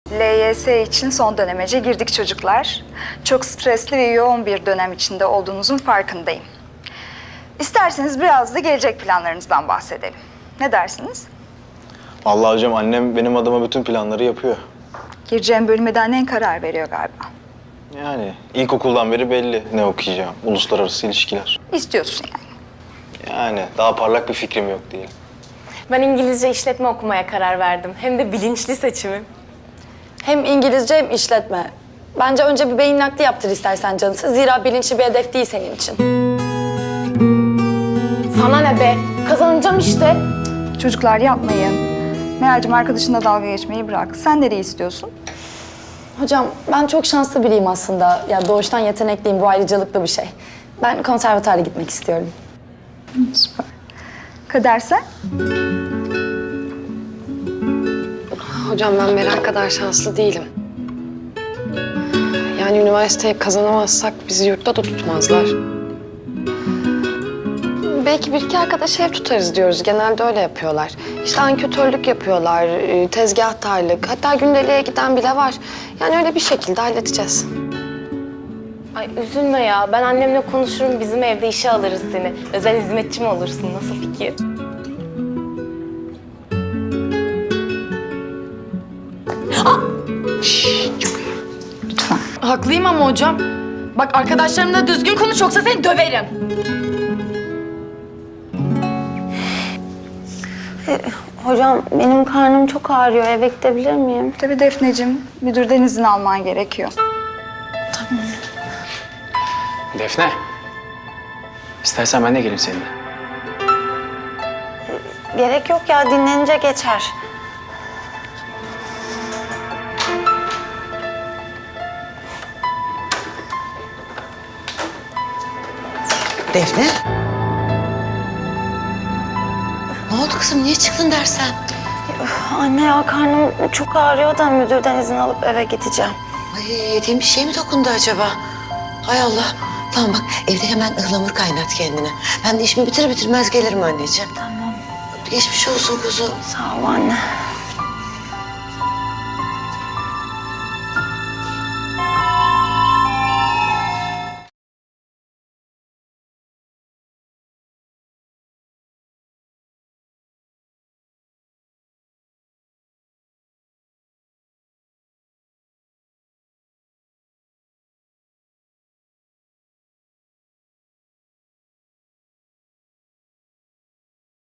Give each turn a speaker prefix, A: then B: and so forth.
A: LYS için son dönemece girdik çocuklar. Çok stresli ve yoğun bir dönem içinde olduğunuzun farkındayım. İsterseniz biraz da gelecek planlarınızdan bahsedelim. Ne dersiniz?
B: Vallahi hocam annem benim adıma bütün planları yapıyor.
A: Gireceğim bölüme de annen karar veriyor galiba.
B: Yani ilkokuldan beri belli ne okuyacağım. Uluslararası ilişkiler.
A: İstiyorsun yani.
B: Yani daha parlak bir fikrim yok değil.
C: Ben İngilizce işletme okumaya karar verdim. Hem de bilinçli seçimim.
D: Hem İngilizce hem işletme. Bence önce bir beyin nakli yaptır istersen canısı. Zira bilinçli bir hedef değil senin için.
C: Sana ne be? Kazanacağım işte.
A: Çocuklar yapmayın. Meral'cim arkadaşınla dalga geçmeyi bırak. Sen nereyi istiyorsun?
D: Hocam ben çok şanslı biriyim aslında. Ya doğuştan yetenekliyim, bu ayrıcalıklı bir şey. Ben konservatuara gitmek istiyorum.
A: Süper. Kader sen?
E: Hocam ben Meral kadar şanslı değilim. Yani üniversiteye kazanamazsak bizi yurtta da tutmazlar. Belki bir iki arkadaş ev tutarız diyoruz. Genelde öyle yapıyorlar. İşte anketörlük yapıyorlar, tezgahtarlık, hatta gündeliğe giden bile var. Yani öyle bir şekilde halledeceğiz.
C: Ay üzülme ya. Ben annemle konuşurum. Bizim evde işe alırız seni. Özel hizmetçi mi olursun? Nasıl fikir?
A: Lütfen.
D: Haklıyım ama hocam. Bak arkadaşlarımla düzgün konuş yoksa seni döverim.
E: Hocam benim karnım çok ağrıyor. Eve gidebilir miyim?
A: Tabii Defneciğim, müdürden izin alman gerekiyor.
F: Defne. İstersen ben de geleyim seninle.
E: Gerek yok ya, dinlenince geçer.
G: Defne? Ne oldu kızım? Niye çıktın dersen?
E: Anne ya, karnım çok ağrıyor da müdürden izin alıp eve gideceğim.
G: Ay, yediğin bir şey mi dokundu acaba? Hay Allah. Tamam bak, evde hemen ıhlamur kaynat kendine. Ben de işimi bitirir bitirmez gelirim anneciğim.
E: Tamam.
G: Geçmiş olsun kuzum.
E: Sağ ol anne.